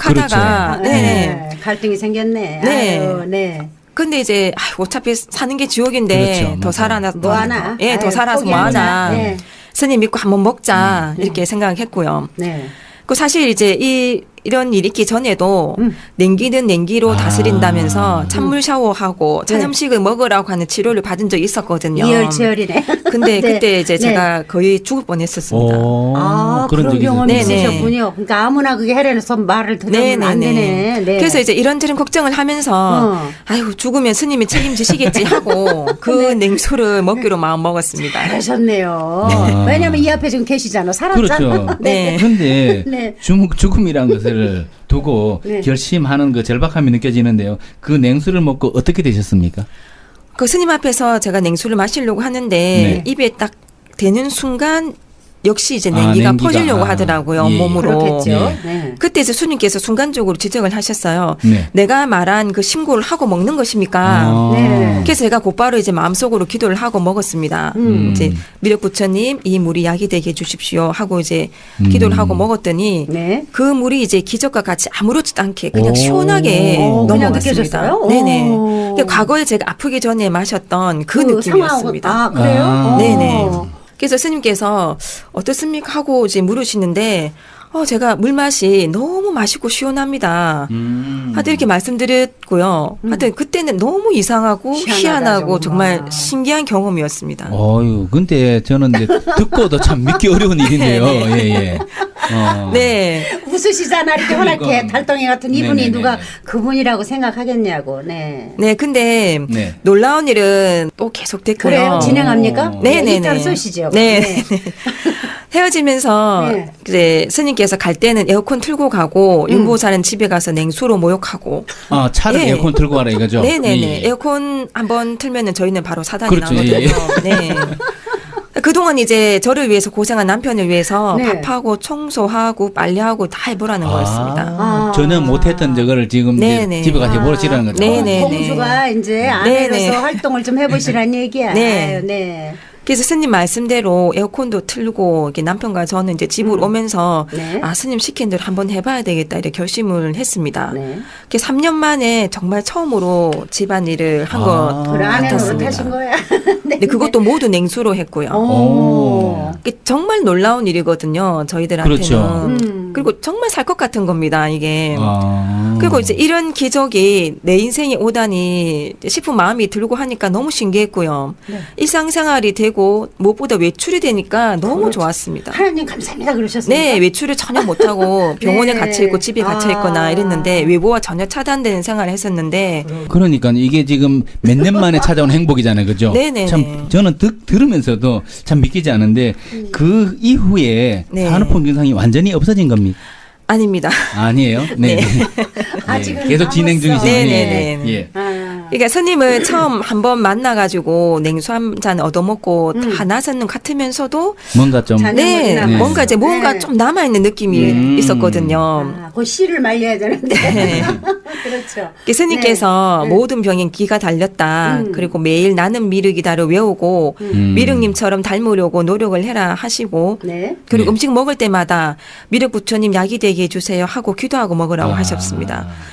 [SPEAKER 2] 생각하다가,
[SPEAKER 3] 그렇죠.
[SPEAKER 2] 네.
[SPEAKER 1] 네. 갈등이 생겼네.
[SPEAKER 2] 네.
[SPEAKER 1] 아유, 네.
[SPEAKER 2] 근데 이제 아이고, 어차피 사는 게 지옥인데
[SPEAKER 3] 그렇죠,
[SPEAKER 2] 더
[SPEAKER 3] 맞아요.
[SPEAKER 2] 살아나서
[SPEAKER 1] 뭐 하나?
[SPEAKER 2] 예, 더
[SPEAKER 1] 아유,
[SPEAKER 2] 살아서 뭐
[SPEAKER 1] 포기하자.
[SPEAKER 2] 하나?
[SPEAKER 1] 네.
[SPEAKER 2] 스님 믿고 한번 먹자
[SPEAKER 1] 음.
[SPEAKER 2] 이렇게 생각했고요.
[SPEAKER 1] 네.
[SPEAKER 2] 그 사실 이제 이 이런 일이 있기 전에도
[SPEAKER 1] 음.
[SPEAKER 2] 냉기는 냉기로
[SPEAKER 3] 아.
[SPEAKER 2] 다스린다면서 찬물 샤워하고 찬
[SPEAKER 1] 네.
[SPEAKER 2] 음식을 먹으라고 하는 치료를 받은 적이 있었거든요.
[SPEAKER 1] 이열치열이네.
[SPEAKER 2] 근데
[SPEAKER 1] 네.
[SPEAKER 2] 그때 이제
[SPEAKER 1] 네.
[SPEAKER 2] 제가 거의 죽을 뻔했었습니다.
[SPEAKER 3] 오,
[SPEAKER 1] 아, 그런,
[SPEAKER 3] 적이
[SPEAKER 1] 경험이
[SPEAKER 2] 있었어요. 네네.
[SPEAKER 1] 있으셨군요. 그러니까 아무나 그게 하려서 말을 들으면 안 되네. 네.
[SPEAKER 2] 그래서 이제 이런저런 걱정을 하면서
[SPEAKER 1] 어.
[SPEAKER 2] 아이고 죽으면 스님이 책임지시겠지 하고 그
[SPEAKER 1] 네.
[SPEAKER 2] 냉수를 먹기로 마음 먹었습니다.
[SPEAKER 1] 잘하셨네요.
[SPEAKER 3] 네.
[SPEAKER 1] 왜냐면 이 앞에 지금 계시잖아. 살았잖아.
[SPEAKER 3] 그렇죠.
[SPEAKER 2] 네.
[SPEAKER 3] 그런데
[SPEAKER 1] 네.
[SPEAKER 3] 죽, 죽음이라는 것을 두고
[SPEAKER 1] 네.
[SPEAKER 3] 결심하는 그 절박함이 느껴지는데요. 그 냉수를 먹고 어떻게 되셨습니까?
[SPEAKER 2] 그 스님 앞에서 제가 냉수를 마시려고 하는데
[SPEAKER 3] 네.
[SPEAKER 2] 입에 딱 대는 순간 역시 이제
[SPEAKER 3] 아,
[SPEAKER 2] 냉기가
[SPEAKER 3] 냉기가.
[SPEAKER 2] 퍼지려고
[SPEAKER 3] 아,
[SPEAKER 2] 하더라고요.
[SPEAKER 3] 예.
[SPEAKER 2] 몸으로.
[SPEAKER 1] 그렇겠죠.
[SPEAKER 3] 네.
[SPEAKER 1] 네.
[SPEAKER 2] 그때 이제 스님께서 순간적으로 지적을 하셨어요.
[SPEAKER 3] 네.
[SPEAKER 2] 내가 말한 그 신고를 하고 먹는 것입니까?
[SPEAKER 3] 아.
[SPEAKER 1] 네.
[SPEAKER 2] 그래서 제가 곧바로 이제 마음속으로 기도를 하고 먹었습니다.
[SPEAKER 1] 음.
[SPEAKER 2] 이제 미륵부처님 이 물이 약이 되게 해주십시오 하고 이제
[SPEAKER 3] 음.
[SPEAKER 2] 기도를 하고 먹었더니
[SPEAKER 1] 네.
[SPEAKER 2] 그 물이 이제 기적과 같이 아무렇지도 않게 그냥
[SPEAKER 3] 오.
[SPEAKER 2] 시원하게
[SPEAKER 1] 오, 그냥
[SPEAKER 2] 넘어갔습니다.
[SPEAKER 1] 느껴졌어요?
[SPEAKER 2] 네네.
[SPEAKER 1] 오.
[SPEAKER 2] 그러니까 과거에 제가 아프기 전에 마셨던 그,
[SPEAKER 1] 상황하고-
[SPEAKER 2] 느낌이었습니다.
[SPEAKER 1] 아, 그래요?
[SPEAKER 3] 아.
[SPEAKER 1] 오.
[SPEAKER 2] 네네. 그래서 스님께서 어떻습니까 하고 이제 물으시는데 어 제가 물맛이 너무 맛있고 시원합니다.
[SPEAKER 3] 음.
[SPEAKER 2] 하여튼 이렇게 말씀드렸고요. 하여튼 그때는 너무 이상하고
[SPEAKER 1] 희한하다,
[SPEAKER 2] 희한하고
[SPEAKER 1] 정말.
[SPEAKER 2] 정말 신기한 경험이었습니다.
[SPEAKER 3] 어유, 근데 저는 이제 듣고도 참 믿기 어려운 일인데요. 예, 예. 어.
[SPEAKER 2] 네.
[SPEAKER 1] 웃으시잖아. 이렇게 환하게
[SPEAKER 3] 그러니까.
[SPEAKER 1] 달덩이 같은 이분이
[SPEAKER 3] 네네네.
[SPEAKER 1] 누가 그분이라고 생각하겠냐고. 네.
[SPEAKER 2] 네, 근데
[SPEAKER 3] 네.
[SPEAKER 2] 놀라운 일은 또 계속됐고요.
[SPEAKER 1] 그래요? 진행합니까?
[SPEAKER 3] 오.
[SPEAKER 2] 네네네.
[SPEAKER 1] 일단 쏘시죠.
[SPEAKER 2] 네. 헤어지면서
[SPEAKER 1] 네.
[SPEAKER 2] 이제 스님께서 갈 때는 에어컨 틀고 가고
[SPEAKER 1] 음.
[SPEAKER 2] 윤보사는 집에 가서 냉수로 모욕하고.
[SPEAKER 3] 아, 차를
[SPEAKER 2] 예.
[SPEAKER 3] 에어컨 틀고 가라 이거죠?
[SPEAKER 2] 네네네.
[SPEAKER 3] 예.
[SPEAKER 2] 에어컨 한번 틀면은 저희는 바로 사단이
[SPEAKER 3] 그렇죠.
[SPEAKER 2] 나거든요.
[SPEAKER 3] 예,
[SPEAKER 2] 네. 그동안 이제 저를 위해서 고생한 남편을 위해서
[SPEAKER 1] 네.
[SPEAKER 2] 밥하고 청소하고 빨래하고 다 해보라는 거였습니다.
[SPEAKER 3] 아,
[SPEAKER 1] 아.
[SPEAKER 3] 전혀 못했던 저거를 지금 이제
[SPEAKER 2] 네네.
[SPEAKER 3] 집에 가서 해보시라는 거죠.
[SPEAKER 2] 네네.
[SPEAKER 1] 공주가 이제 아내로서
[SPEAKER 2] 네네.
[SPEAKER 1] 활동을 좀 해보시라는 얘기야.
[SPEAKER 2] 네.
[SPEAKER 1] 아유, 네.
[SPEAKER 2] 그래서 스님 말씀대로 에어컨도 틀고 이렇게 남편과 저는 이제 집으로 오면서
[SPEAKER 1] 네.
[SPEAKER 2] 아 스님 시킨 대로 한번 해봐야 되겠다 이렇게 결심을 했습니다.
[SPEAKER 1] 네.
[SPEAKER 2] 그게 삼 년 만에 정말 처음으로 집안일을 한
[SPEAKER 3] 아.
[SPEAKER 2] 것
[SPEAKER 1] 그래, 아내
[SPEAKER 2] 같았습니다.
[SPEAKER 1] 노릇하신 거야. 네.
[SPEAKER 2] 근데 그것도 모두 냉수로 했고요.
[SPEAKER 1] 오.
[SPEAKER 2] 이게 정말 놀라운 일이거든요. 저희들한테는.
[SPEAKER 3] 그렇죠.
[SPEAKER 1] 음.
[SPEAKER 2] 그리고 정말 살 것 같은 겁니다. 이게.
[SPEAKER 3] 아.
[SPEAKER 2] 그리고 이제 이런 기적이 내 인생에 오다니 싶은 마음이 들고 하니까 너무 신기했고요.
[SPEAKER 1] 네.
[SPEAKER 2] 일상생활이 되고 무엇보다 외출이 되니까 너무
[SPEAKER 1] 그렇죠.
[SPEAKER 2] 좋았습니다.
[SPEAKER 1] 하나님 감사합니다 그러셨습니까?
[SPEAKER 2] 네, 외출을 전혀 못하고 병원에
[SPEAKER 1] 네.
[SPEAKER 2] 갇혀 있고 집에 갇혀 있거나
[SPEAKER 1] 아.
[SPEAKER 2] 이랬는데 외부와 전혀 차단되는 생활을 했었는데
[SPEAKER 3] 그러니까 이게 지금 몇 년 만에 찾아온 행복이잖아요, 그죠?
[SPEAKER 2] 네네네.
[SPEAKER 3] 참 저는 듣, 들으면서도 참 믿기지 않은데 그 이후에
[SPEAKER 2] 네.
[SPEAKER 3] 산후풍 증상이 완전히 없어진 겁니까?
[SPEAKER 2] 아닙니다.
[SPEAKER 3] 아니에요. 네.
[SPEAKER 2] 네.
[SPEAKER 1] 아직은
[SPEAKER 3] 계속 진행
[SPEAKER 1] 남았어.
[SPEAKER 3] 중이시네요.
[SPEAKER 2] 네네네.
[SPEAKER 3] 예.
[SPEAKER 1] 아.
[SPEAKER 2] 그러니까 스님을 처음 한번 만나가지고 냉수 한 잔 얻어먹고
[SPEAKER 1] 음.
[SPEAKER 2] 다 나서는 같으면서도
[SPEAKER 3] 뭔가 좀
[SPEAKER 1] 잔-
[SPEAKER 2] 네,
[SPEAKER 1] 남았어.
[SPEAKER 2] 뭔가 이제 뭔가
[SPEAKER 1] 네.
[SPEAKER 2] 좀 남아있는 느낌이
[SPEAKER 3] 음.
[SPEAKER 2] 있었거든요.
[SPEAKER 1] 아, 그 씨를 말려야 되는데.
[SPEAKER 2] 네.
[SPEAKER 1] 그렇죠.
[SPEAKER 2] 그 스님께서
[SPEAKER 1] 네.
[SPEAKER 2] 모든 병엔 기가 달렸다.
[SPEAKER 1] 음.
[SPEAKER 2] 그리고 매일 나는 미륵이다를 외우고
[SPEAKER 3] 음.
[SPEAKER 2] 미륵님처럼 닮으려고 노력을 해라 하시고
[SPEAKER 1] 네.
[SPEAKER 2] 그리고
[SPEAKER 3] 네.
[SPEAKER 2] 음식 먹을 때마다 미륵 부처님 약이 되게 해주세요 하고 기도하고 먹으라고
[SPEAKER 3] 아.
[SPEAKER 2] 하셨습니다.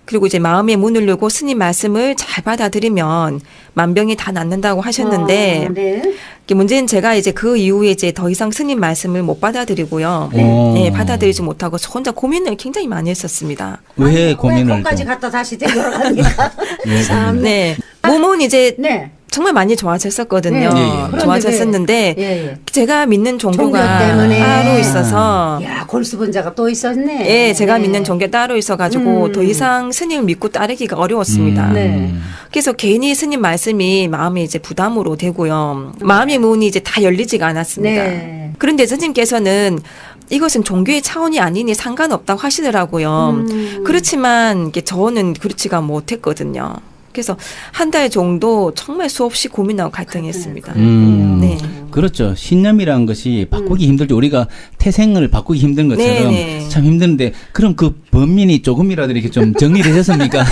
[SPEAKER 2] 그리고 이제 마음의 문을 열고 스님 말씀을 잘 받아들이면 만병이 다 낫는다고 하셨는데
[SPEAKER 1] 어, 네.
[SPEAKER 2] 이게 문제는 제가 이제 그 이후에 이제 더 이상 스님 말씀을 못 받아들이고요.
[SPEAKER 3] 네.
[SPEAKER 2] 네, 받아들이지 못하고 혼자 고민을 굉장히 많이 했었습니다.
[SPEAKER 3] 왜 고민을
[SPEAKER 1] 거기까지
[SPEAKER 3] 또-
[SPEAKER 1] 갔다 다시 되돌아가니까.
[SPEAKER 3] 왜
[SPEAKER 1] 참.
[SPEAKER 3] 고민을-
[SPEAKER 2] 네. 몸은 이제
[SPEAKER 1] 네.
[SPEAKER 2] 정말 많이 좋아졌었거든요.
[SPEAKER 1] 네.
[SPEAKER 3] 예, 예.
[SPEAKER 1] 그런데
[SPEAKER 2] 좋아졌었는데
[SPEAKER 1] 왜- 예, 예.
[SPEAKER 2] 제가 믿는 종교가
[SPEAKER 1] 종교 때문에.
[SPEAKER 2] 따로 있어서
[SPEAKER 1] 야, 골수분자가 또 있었네.
[SPEAKER 2] 예, 제가
[SPEAKER 1] 네.
[SPEAKER 2] 믿는 종교 따로 있어가지고
[SPEAKER 1] 음.
[SPEAKER 2] 더 이상 스님을 믿고 따르기가 어려웠습니다.
[SPEAKER 3] 음.
[SPEAKER 1] 네.
[SPEAKER 2] 그래서 괜히 스님 말씀이 마음이 이제 부담으로 되고요. 마음의 문이 이제 다 열리지가 않았습니다.
[SPEAKER 1] 네.
[SPEAKER 2] 그런데 스님께서는 이것은 종교의 차원이 아니니 상관없다고 하시더라고요.
[SPEAKER 1] 음.
[SPEAKER 2] 그렇지만 이게 저는 그렇지가 못했거든요. 그래서 한 달 정도 정말 수없이 고민하고 갈등했습니다.
[SPEAKER 3] 음.
[SPEAKER 2] 네.
[SPEAKER 3] 그렇죠. 신념이라는 것이 바꾸기 힘들죠. 우리가 태생을 바꾸기 힘든 것처럼
[SPEAKER 2] 네, 네.
[SPEAKER 3] 참 힘드는데 그럼 그 범민이 조금이라도 이렇게 좀 정리되셨습니까?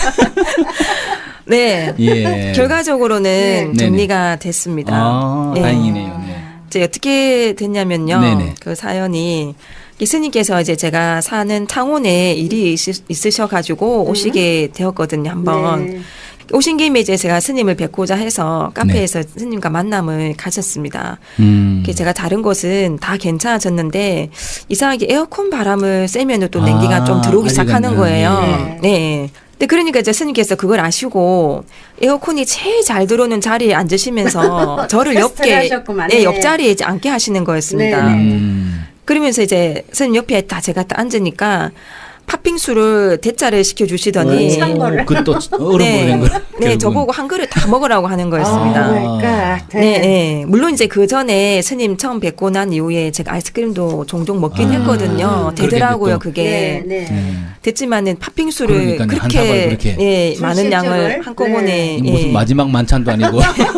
[SPEAKER 2] 네.
[SPEAKER 3] 예.
[SPEAKER 2] 결과적으로는
[SPEAKER 3] 네.
[SPEAKER 2] 정리가 됐습니다.
[SPEAKER 3] 아,
[SPEAKER 2] 네.
[SPEAKER 3] 다행이네요. 네.
[SPEAKER 2] 이제 어떻게 됐냐면요.
[SPEAKER 3] 네네.
[SPEAKER 2] 그 사연이 스님께서 이제 제가 사는 창원에 일이 있으, 있으셔가지고 오시게 되었거든요. 한번.
[SPEAKER 1] 네.
[SPEAKER 2] 오신 김에 이제 제가 스님을 뵙고자 해서 카페에서 스님과 만남을 가졌습니다.
[SPEAKER 3] 음.
[SPEAKER 2] 그래서 제가 다른 곳은 다 괜찮아졌는데 이상하게 에어컨 바람을 쐬면 또 냉기가
[SPEAKER 3] 아,
[SPEAKER 2] 좀 들어오기 시작하는
[SPEAKER 3] 알겠네요.
[SPEAKER 2] 거예요.
[SPEAKER 1] 네.
[SPEAKER 2] 네. 근데 그러니까 이제 스님께서 그걸 아시고 에어컨이 제일 잘 들어오는 자리에 앉으시면서 저를
[SPEAKER 1] 테스트를
[SPEAKER 2] 옆에
[SPEAKER 1] 하셨구만.
[SPEAKER 2] 네,
[SPEAKER 1] 네.
[SPEAKER 2] 옆자리에 이제 앉게 하시는 거였습니다.
[SPEAKER 1] 네.
[SPEAKER 3] 음.
[SPEAKER 2] 그러면서 이제 스님 옆에 딱 제가 딱 앉으니까 팥빙수를 대짜를 시켜주시더니
[SPEAKER 1] 찬 거를.
[SPEAKER 3] 그또 얼음으로 된 걸.
[SPEAKER 2] 네,
[SPEAKER 3] 결국은.
[SPEAKER 2] 저보고 한 그릇 다 먹으라고 하는 거였습니다.
[SPEAKER 1] 아, 그러니까.
[SPEAKER 2] 네, 네. 물론 이제 그 전에 스님 처음 뵙고 난 이후에 제가 아이스크림도 종종 먹긴
[SPEAKER 3] 아,
[SPEAKER 2] 했거든요.
[SPEAKER 3] 그렇게
[SPEAKER 2] 되더라고요,
[SPEAKER 3] 또.
[SPEAKER 2] 그게.
[SPEAKER 1] 네, 네.
[SPEAKER 3] 네.
[SPEAKER 2] 됐지만은 팥빙수를
[SPEAKER 3] 그러니까요. 한 사발
[SPEAKER 2] 그렇게,
[SPEAKER 3] 그렇게.
[SPEAKER 2] 예,
[SPEAKER 1] 술
[SPEAKER 2] 많은 양을
[SPEAKER 1] 실적을?
[SPEAKER 2] 한꺼번에
[SPEAKER 1] 네.
[SPEAKER 3] 무슨
[SPEAKER 2] 예.
[SPEAKER 3] 마지막 만찬도 아니고.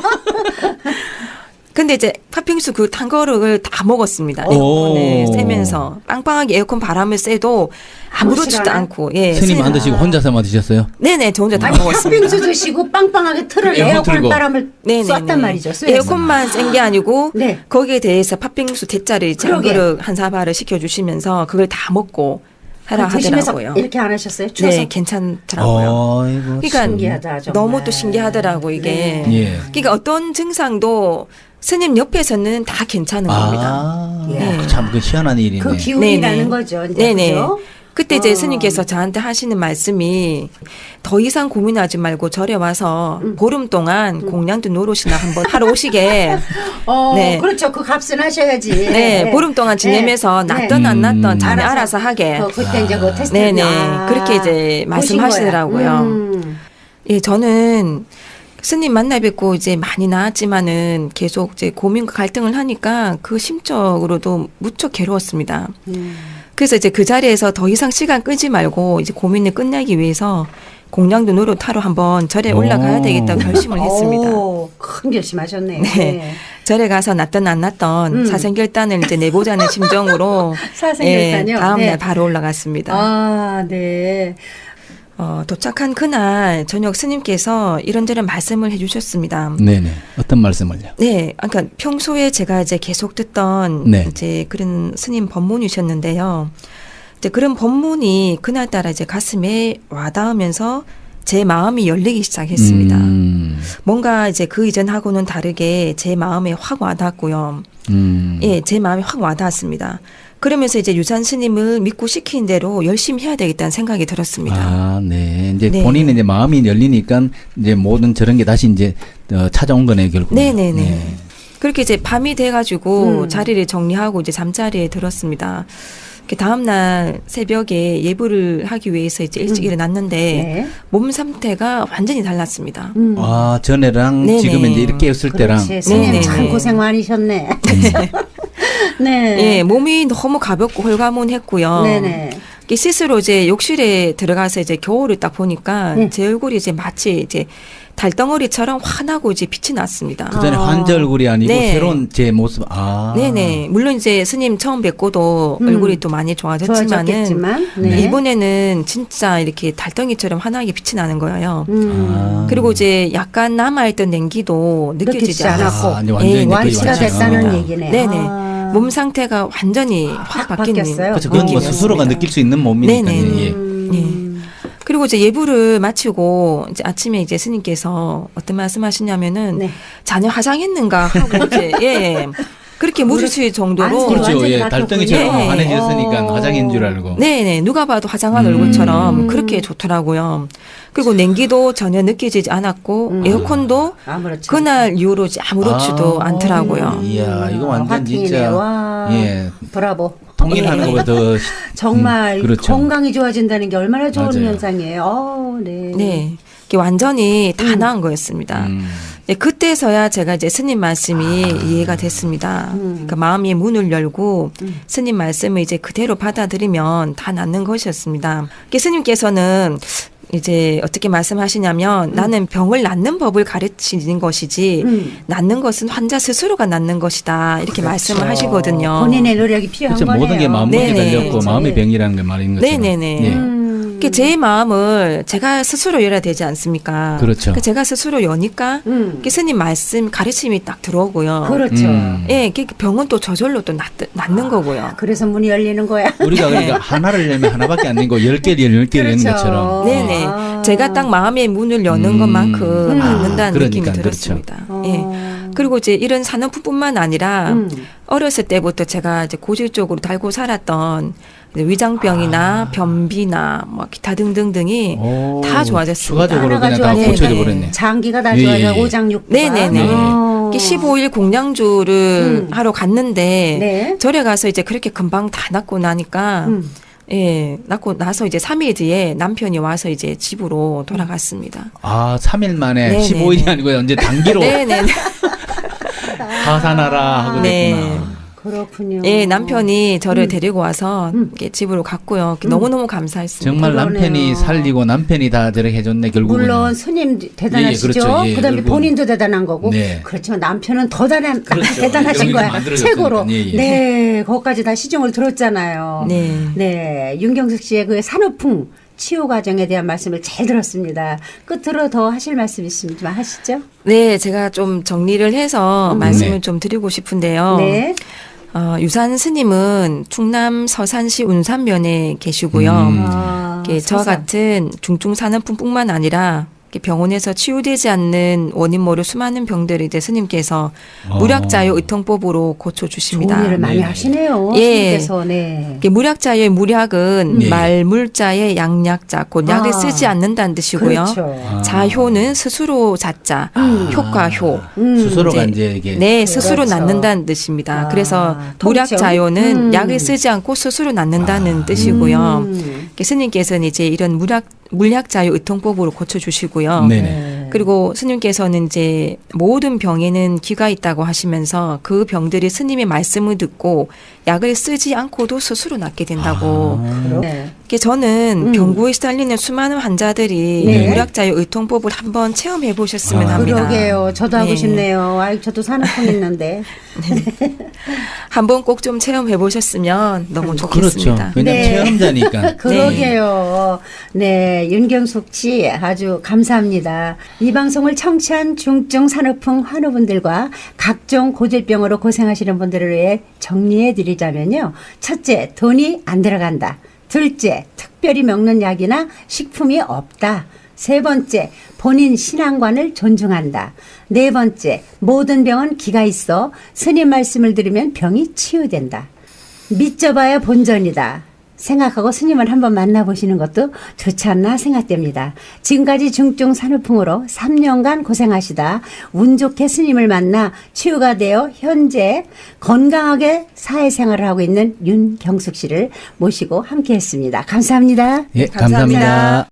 [SPEAKER 2] 근데 이제 팥빙수 그 탄 거를 다 먹었습니다.
[SPEAKER 3] 오.
[SPEAKER 2] 에어컨을 쐬면서 빵빵하게 에어컨 바람을 쐬도 아무렇지도
[SPEAKER 1] 시간에?
[SPEAKER 2] 않고 예.
[SPEAKER 3] 스님 안
[SPEAKER 2] 스님-
[SPEAKER 3] 드시고 혼자서만 드셨어요?
[SPEAKER 2] 네네, 저 혼자 다
[SPEAKER 1] 아니,
[SPEAKER 2] 먹었습니다.
[SPEAKER 1] 팥빙수 드시고 빵빵하게 틀을
[SPEAKER 3] 에어컨
[SPEAKER 1] 에어컨
[SPEAKER 3] 틀고.
[SPEAKER 1] 바람을
[SPEAKER 2] 네네네.
[SPEAKER 1] 쐈단 말이죠. 쇠에서.
[SPEAKER 2] 에어컨만 센 게 아니고
[SPEAKER 1] 네.
[SPEAKER 2] 거기에 대해서 팥빙수 대짜를 이제 한
[SPEAKER 1] 그러게.
[SPEAKER 2] 그릇 한 사발을 시켜주시면서 그걸 다 먹고 하라
[SPEAKER 1] 드시면서
[SPEAKER 2] 하더라고요.
[SPEAKER 1] 이렇게 안 하셨어요? 추워서.
[SPEAKER 2] 네, 괜찮더라고요.
[SPEAKER 3] 어이구,
[SPEAKER 2] 그러니까
[SPEAKER 3] 참.
[SPEAKER 1] 신기하다, 정말.
[SPEAKER 2] 너무 또 신기하더라고 이게.
[SPEAKER 1] 네.
[SPEAKER 3] 예.
[SPEAKER 2] 그러니까 어떤 증상도 스님 옆에서는 다 괜찮은 겁니다.
[SPEAKER 3] 아,
[SPEAKER 1] 네.
[SPEAKER 3] 참 그 희한한 일이네.
[SPEAKER 1] 그 기운이라는
[SPEAKER 2] 네네.
[SPEAKER 1] 거죠. 이제.
[SPEAKER 2] 네네.
[SPEAKER 1] 그죠?
[SPEAKER 2] 그때 이제
[SPEAKER 1] 어.
[SPEAKER 2] 스님께서 저한테 하시는 말씀이 더 이상 고민하지 말고 절에 와서
[SPEAKER 1] 음.
[SPEAKER 2] 보름 동안 공양도 노릇이나 한번 하러 오시게.
[SPEAKER 1] 어,
[SPEAKER 2] 네.
[SPEAKER 1] 그렇죠. 그 값은 하셔야지.
[SPEAKER 2] 네, 보름 동안 지내면서
[SPEAKER 1] 네.
[SPEAKER 2] 낫던 안 낫던
[SPEAKER 3] 음.
[SPEAKER 2] 자기
[SPEAKER 1] 알아서.
[SPEAKER 2] 알아서 하게.
[SPEAKER 1] 어, 그때 이제 그 테스트.
[SPEAKER 2] 네네.
[SPEAKER 1] 아,
[SPEAKER 2] 그렇게 이제
[SPEAKER 1] 보신
[SPEAKER 2] 말씀하시더라고요.
[SPEAKER 1] 거야. 음.
[SPEAKER 2] 예, 저는 스님 만나 뵙고 이제 많이 나았지만은 계속 이제 고민과 갈등을 하니까 그 심적으로도 무척 괴로웠습니다.
[SPEAKER 1] 음.
[SPEAKER 2] 그래서 이제 그 자리에서 더 이상 시간 끄지 말고 이제 고민을 끝내기 위해서 공양도 노릇하러 한번 절에
[SPEAKER 3] 오.
[SPEAKER 2] 올라가야 되겠다고 결심을 했습니다.
[SPEAKER 1] 오, 큰 결심하셨네요.
[SPEAKER 2] 네. 절에 가서 낫던 안 낫던
[SPEAKER 1] 음.
[SPEAKER 2] 사생결단을 이제 내보자는 심정으로
[SPEAKER 1] 사생결단이요?
[SPEAKER 2] 예, 다음
[SPEAKER 1] 네.
[SPEAKER 2] 날 바로 올라갔습니다.
[SPEAKER 1] 아, 네.
[SPEAKER 2] 어, 도착한 그날 저녁 스님께서 이런저런 말씀을 해주셨습니다.
[SPEAKER 3] 네네. 어떤 말씀을요?
[SPEAKER 2] 네, 그러니까 평소에 제가 이제 계속 듣던
[SPEAKER 3] 네.
[SPEAKER 2] 이제 그런 스님 법문이셨는데요. 이제 그런 법문이 그날따라 이제 가슴에 와닿으면서 제 마음이 열리기 시작했습니다.
[SPEAKER 3] 음,
[SPEAKER 2] 뭔가 이제 그 이전하고는 다르게 제 마음에 확 와닿았고요.
[SPEAKER 3] 음.
[SPEAKER 2] 예, 제 마음에 확 와닿았습니다. 그러면서 이제 유산 스님을 믿고 시킨 대로 열심히 해야 되겠다는 생각이 들었습니다.
[SPEAKER 3] 아, 네. 이제
[SPEAKER 2] 네.
[SPEAKER 3] 본인의 이제 마음이 열리니까 이제 모든 저런 게 다시 이제 어, 찾아온 거네 결국.
[SPEAKER 2] 네네네. 그렇게 이제 밤이 돼가지고
[SPEAKER 1] 음.
[SPEAKER 2] 자리를 정리하고 이제 잠자리에 들었습니다. 그 다음날 새벽에 예불을 하기 위해서 이제 일찍
[SPEAKER 1] 음.
[SPEAKER 2] 일어났는데
[SPEAKER 1] 네.
[SPEAKER 2] 몸 상태가 완전히 달랐습니다.
[SPEAKER 1] 음.
[SPEAKER 3] 아, 전에랑
[SPEAKER 2] 네네.
[SPEAKER 3] 지금 이제 이렇게 했을 때랑.
[SPEAKER 1] 그렇지. 스님
[SPEAKER 2] 네네네.
[SPEAKER 1] 참 고생 많으셨네. 네.
[SPEAKER 2] 예, 몸이 너무 가볍고 홀가문했고요.
[SPEAKER 1] 네네.
[SPEAKER 2] 이게 스스로 이제 욕실에 들어가서 이제 겨울을 딱 보니까
[SPEAKER 1] 네.
[SPEAKER 2] 제 얼굴이 이제 마치 이제 달덩어리처럼 환하고 이제 빛이 났습니다.
[SPEAKER 3] 그 전에
[SPEAKER 1] 아.
[SPEAKER 3] 환자 얼굴이 아니고
[SPEAKER 2] 네.
[SPEAKER 3] 새로운 제 모습. 아.
[SPEAKER 2] 네네. 물론 이제 스님 처음 뵙고도
[SPEAKER 1] 음.
[SPEAKER 2] 얼굴이 또 많이 좋아졌지만은
[SPEAKER 1] 좋아졌겠지만. 네.
[SPEAKER 2] 이번에는 진짜 이렇게 달덩이처럼 환하게 빛이 나는 거예요.
[SPEAKER 1] 음.
[SPEAKER 3] 아.
[SPEAKER 2] 그리고 이제 약간 남아있던 냉기도 느껴지지
[SPEAKER 1] 느껴지지
[SPEAKER 2] 않았고
[SPEAKER 1] 않았고.
[SPEAKER 3] 아, 이제 완전히
[SPEAKER 2] 예,
[SPEAKER 3] 느껴지지
[SPEAKER 1] 완치가
[SPEAKER 3] 않았구나.
[SPEAKER 1] 됐다는 얘기네.
[SPEAKER 2] 네네.
[SPEAKER 1] 아.
[SPEAKER 2] 몸 상태가 완전히 확 바뀐
[SPEAKER 1] 바뀌었어요?
[SPEAKER 3] 그렇죠. 그건 뭐
[SPEAKER 2] 느낌이었습니다.
[SPEAKER 3] 스스로가 느낄 수 있는 몸이니까.
[SPEAKER 2] 네네.
[SPEAKER 3] 예.
[SPEAKER 1] 음.
[SPEAKER 2] 예. 그리고 이제 예불을 마치고 이제 아침에 이제 스님께서 어떤 말씀하시냐면은
[SPEAKER 1] 네.
[SPEAKER 2] 자녀 화장했는가 하고 이제 예. 그렇게 물으실 정도로
[SPEAKER 1] 안색이
[SPEAKER 3] 그렇죠.
[SPEAKER 1] 완전히
[SPEAKER 3] 예,
[SPEAKER 1] 바뀌었군요.
[SPEAKER 3] 달덩이처럼
[SPEAKER 2] 네.
[SPEAKER 3] 환해졌으니까
[SPEAKER 1] 어.
[SPEAKER 3] 화장인 줄 알고.
[SPEAKER 2] 네네 누가 봐도 화장한
[SPEAKER 3] 음.
[SPEAKER 2] 얼굴처럼 그렇게 좋더라고요. 그리고 냉기도 전혀 느껴지지 않았고
[SPEAKER 1] 음.
[SPEAKER 2] 에어컨도
[SPEAKER 1] 아무렇지.
[SPEAKER 2] 그날 이후로 아무렇지도
[SPEAKER 3] 아.
[SPEAKER 2] 않더라고요.
[SPEAKER 3] 이야, 이거 완전
[SPEAKER 1] 화팅이네.
[SPEAKER 3] 진짜
[SPEAKER 1] 와.
[SPEAKER 3] 예.
[SPEAKER 1] 브라보.
[SPEAKER 3] 통일하는
[SPEAKER 2] 예.
[SPEAKER 3] 것보다 더
[SPEAKER 1] 정말
[SPEAKER 3] 음, 그렇죠.
[SPEAKER 1] 건강이 좋아진다는 게 얼마나 좋은
[SPEAKER 3] 맞아요.
[SPEAKER 1] 현상이에요. 어, 네.
[SPEAKER 2] 네. 이게 완전히 다
[SPEAKER 1] 음.
[SPEAKER 2] 나은 거였습니다.
[SPEAKER 3] 음.
[SPEAKER 2] 네, 그때서야 제가 이제 스님 말씀이
[SPEAKER 3] 아.
[SPEAKER 2] 이해가 됐습니다.
[SPEAKER 1] 음.
[SPEAKER 2] 그러니까 마음의 문을 열고
[SPEAKER 1] 음.
[SPEAKER 2] 스님 말씀을 이제 그대로 받아들이면 다 낫는 것이었습니다. 이게 스님께서는 이제 어떻게 말씀하시냐면
[SPEAKER 1] 음.
[SPEAKER 2] 나는 병을 낫는 법을 가르치는 것이지
[SPEAKER 1] 음.
[SPEAKER 2] 낫는 것은 환자 스스로가 낫는 것이다. 이렇게 말씀을 하시거든요.
[SPEAKER 1] 본인의 노력이 필요한
[SPEAKER 3] 그렇죠.
[SPEAKER 1] 거네요.
[SPEAKER 3] 모든 게 마음먹에
[SPEAKER 2] 네네.
[SPEAKER 3] 달렸고
[SPEAKER 1] 그렇죠.
[SPEAKER 3] 마음의
[SPEAKER 1] 예.
[SPEAKER 3] 병이라는 걸 말인 것처럼.
[SPEAKER 2] 네네네.
[SPEAKER 3] 예.
[SPEAKER 1] 음.
[SPEAKER 2] 그게 제 마음을 제가 스스로 열어야 되지 않습니까?
[SPEAKER 3] 그렇죠.
[SPEAKER 2] 그러니까 제가 스스로 여니까
[SPEAKER 1] 음.
[SPEAKER 2] 그 스님 말씀 가르침이 딱 들어오고요.
[SPEAKER 1] 그렇죠.
[SPEAKER 3] 음.
[SPEAKER 2] 예, 그 병은 또 저절로 또 낫, 낫는 거고요.
[SPEAKER 1] 그래서 문이 열리는 거야.
[SPEAKER 3] 우리가 그러니까 하나를 열면 하나밖에 안 되는 거 열 개를 열 개를
[SPEAKER 1] 그렇죠.
[SPEAKER 3] 열는 것처럼.
[SPEAKER 2] 네네.
[SPEAKER 1] 아.
[SPEAKER 2] 제가 딱 마음의 문을 여는
[SPEAKER 3] 음.
[SPEAKER 2] 것만큼
[SPEAKER 1] 음.
[SPEAKER 2] 낫는다는
[SPEAKER 3] 그러니까,
[SPEAKER 2] 느낌이
[SPEAKER 3] 그렇죠.
[SPEAKER 2] 들었습니다.
[SPEAKER 1] 어.
[SPEAKER 2] 예. 그리고 이제 이런 산업뿐만 아니라
[SPEAKER 1] 음.
[SPEAKER 2] 어렸을 때부터 제가 이제 고질적으로 달고 살았던 이제 위장병이나
[SPEAKER 3] 아.
[SPEAKER 2] 변비나 뭐 기타 등등등이
[SPEAKER 3] 오,
[SPEAKER 2] 다 좋아졌습니다.
[SPEAKER 3] 추가적으로
[SPEAKER 1] 하나가
[SPEAKER 3] 그냥 다
[SPEAKER 1] 좋아지네.
[SPEAKER 3] 고쳐져
[SPEAKER 2] 네네.
[SPEAKER 3] 버렸네.
[SPEAKER 1] 장기가 다
[SPEAKER 3] 예,
[SPEAKER 1] 좋아져.
[SPEAKER 3] 예, 예.
[SPEAKER 1] 오장육부가.
[SPEAKER 2] 네네네.
[SPEAKER 1] 어.
[SPEAKER 2] 이게 십오 일 공양주를
[SPEAKER 1] 음.
[SPEAKER 2] 하러 갔는데
[SPEAKER 1] 네.
[SPEAKER 2] 절에 가서 이제 그렇게 금방 다 낫고 나니까
[SPEAKER 1] 음.
[SPEAKER 2] 예, 낳고 나서 이제 삼 일 뒤에 남편이 와서 이제 집으로 돌아갔습니다.
[SPEAKER 3] 아, 삼 일 만에
[SPEAKER 2] 네네네.
[SPEAKER 3] 십오 일이 아니고 언제 단기로
[SPEAKER 2] 네네.
[SPEAKER 3] 하산하라 하고
[SPEAKER 2] 네.
[SPEAKER 3] 됐구나.
[SPEAKER 1] 그렇군요.
[SPEAKER 2] 예, 남편이 저를
[SPEAKER 1] 음.
[SPEAKER 2] 데리고 와서
[SPEAKER 1] 음.
[SPEAKER 2] 이렇게 집으로 갔고요.
[SPEAKER 1] 음.
[SPEAKER 2] 너무너무 감사했습니다.
[SPEAKER 3] 정말
[SPEAKER 1] 그러네요.
[SPEAKER 3] 남편이 살리고 남편이 다 저렇게 해줬네 결국은.
[SPEAKER 1] 물론 스님 대단하시죠.
[SPEAKER 3] 예, 예, 그렇죠. 예,
[SPEAKER 1] 그다음에
[SPEAKER 3] 결국은.
[SPEAKER 1] 본인도 대단한 거고.
[SPEAKER 3] 네.
[SPEAKER 1] 그렇지만 남편은 더 대단,
[SPEAKER 3] 그렇죠.
[SPEAKER 1] 대단하신
[SPEAKER 3] 여기가
[SPEAKER 1] 거야.
[SPEAKER 3] 만들어졌으니까.
[SPEAKER 1] 최고로.
[SPEAKER 3] 예, 예.
[SPEAKER 1] 네, 거기까지 다 시중을 들었잖아요.
[SPEAKER 2] 네.
[SPEAKER 1] 네, 윤경숙 씨의 그 산후풍 치유 과정에 대한 말씀을 잘 들었습니다. 끝으로 더 하실 말씀 있으면 하시죠.
[SPEAKER 2] 네, 제가 좀 정리를 해서
[SPEAKER 1] 음.
[SPEAKER 2] 말씀을
[SPEAKER 3] 네.
[SPEAKER 2] 좀 드리고 싶은데요.
[SPEAKER 1] 네.
[SPEAKER 2] 어, 유산 스님은 충남 서산시 운산면에 계시고요.
[SPEAKER 3] 음.
[SPEAKER 1] 아,
[SPEAKER 2] 이렇게 저와
[SPEAKER 1] 서산.
[SPEAKER 2] 같은 중증산후풍뿐만 아니라 이렇게 병원에서 치유되지 않는 원인 모를 수많은 병들을 이제 스님께서
[SPEAKER 3] 어.
[SPEAKER 2] 무략자유 의통법으로 고쳐 주십니다.
[SPEAKER 1] 좋은 일을 많이
[SPEAKER 3] 네.
[SPEAKER 1] 하시네요.
[SPEAKER 2] 예.
[SPEAKER 1] 스님께서. 네.
[SPEAKER 2] 이게 무략자의 무략은
[SPEAKER 3] 네.
[SPEAKER 2] 말물자의 양약자, 곧 약을
[SPEAKER 1] 아.
[SPEAKER 2] 쓰지 않는다는 뜻이고요.
[SPEAKER 1] 그렇죠.
[SPEAKER 3] 아.
[SPEAKER 2] 자효는 스스로 자자,
[SPEAKER 1] 음.
[SPEAKER 2] 효과효.
[SPEAKER 1] 음.
[SPEAKER 3] 스스로가
[SPEAKER 2] 이제
[SPEAKER 3] 이제 이게
[SPEAKER 2] 네, 스스로
[SPEAKER 1] 그렇죠.
[SPEAKER 2] 낫는다는 뜻입니다.
[SPEAKER 1] 아,
[SPEAKER 2] 그래서
[SPEAKER 1] 통증?
[SPEAKER 2] 무략자요는
[SPEAKER 1] 음.
[SPEAKER 2] 약을 쓰지 않고 스스로 낫는다는 뜻이고요.
[SPEAKER 1] 음.
[SPEAKER 2] 스님께서는 이제 이런 무략 물약자유 의통법으로 고쳐주시고요.
[SPEAKER 3] 네네.
[SPEAKER 2] 그리고 스님께서는 이제 모든 병에는 기가 있다고 하시면서 그 병들이 스님의 말씀을 듣고 약을 쓰지 않고도 스스로 낫게 된다고.
[SPEAKER 3] 아.
[SPEAKER 1] 네.
[SPEAKER 2] 이게 저는
[SPEAKER 1] 음.
[SPEAKER 2] 병구에 시달리는 수많은 환자들이
[SPEAKER 1] 네.
[SPEAKER 2] 무략자유 의통법을 한번 체험해 보셨으면
[SPEAKER 3] 아.
[SPEAKER 2] 합니다.
[SPEAKER 1] 그러게요. 저도 하고
[SPEAKER 2] 네.
[SPEAKER 1] 싶네요. 아이, 저도 산후풍 있는데.
[SPEAKER 2] 한번 꼭 좀 체험해 보셨으면 너무
[SPEAKER 3] 그렇죠.
[SPEAKER 2] 좋겠습니다.
[SPEAKER 3] 왜냐면
[SPEAKER 1] 네.
[SPEAKER 3] 체험자니까.
[SPEAKER 1] 그러게요. 네, 윤경숙 씨 아주 감사합니다. 이 방송을 청취한 중증 산후풍 환우분들과 각종 고질병으로 고생하시는 분들을 위해 정리해 드리자면요. 첫째, 돈이 안 들어간다. 둘째, 특별히 먹는 약이나 식품이 없다. 세 번째, 본인 신앙관을 존중한다. 네 번째, 모든 병은 기가 있어 스님 말씀을 들으면 병이 치유된다. 믿져봐야 본전이다. 생각하고 스님을 한번 만나보시는 것도 좋지 않나 생각됩니다. 지금까지 중증 산후풍으로 삼 년간 고생하시다 운 좋게 스님을 만나 치유가 되어 현재 건강하게 사회생활을 하고 있는 윤경숙 씨를 모시고 함께했습니다. 감사합니다.
[SPEAKER 3] 예,
[SPEAKER 2] 감사합니다.
[SPEAKER 3] 감사합니다.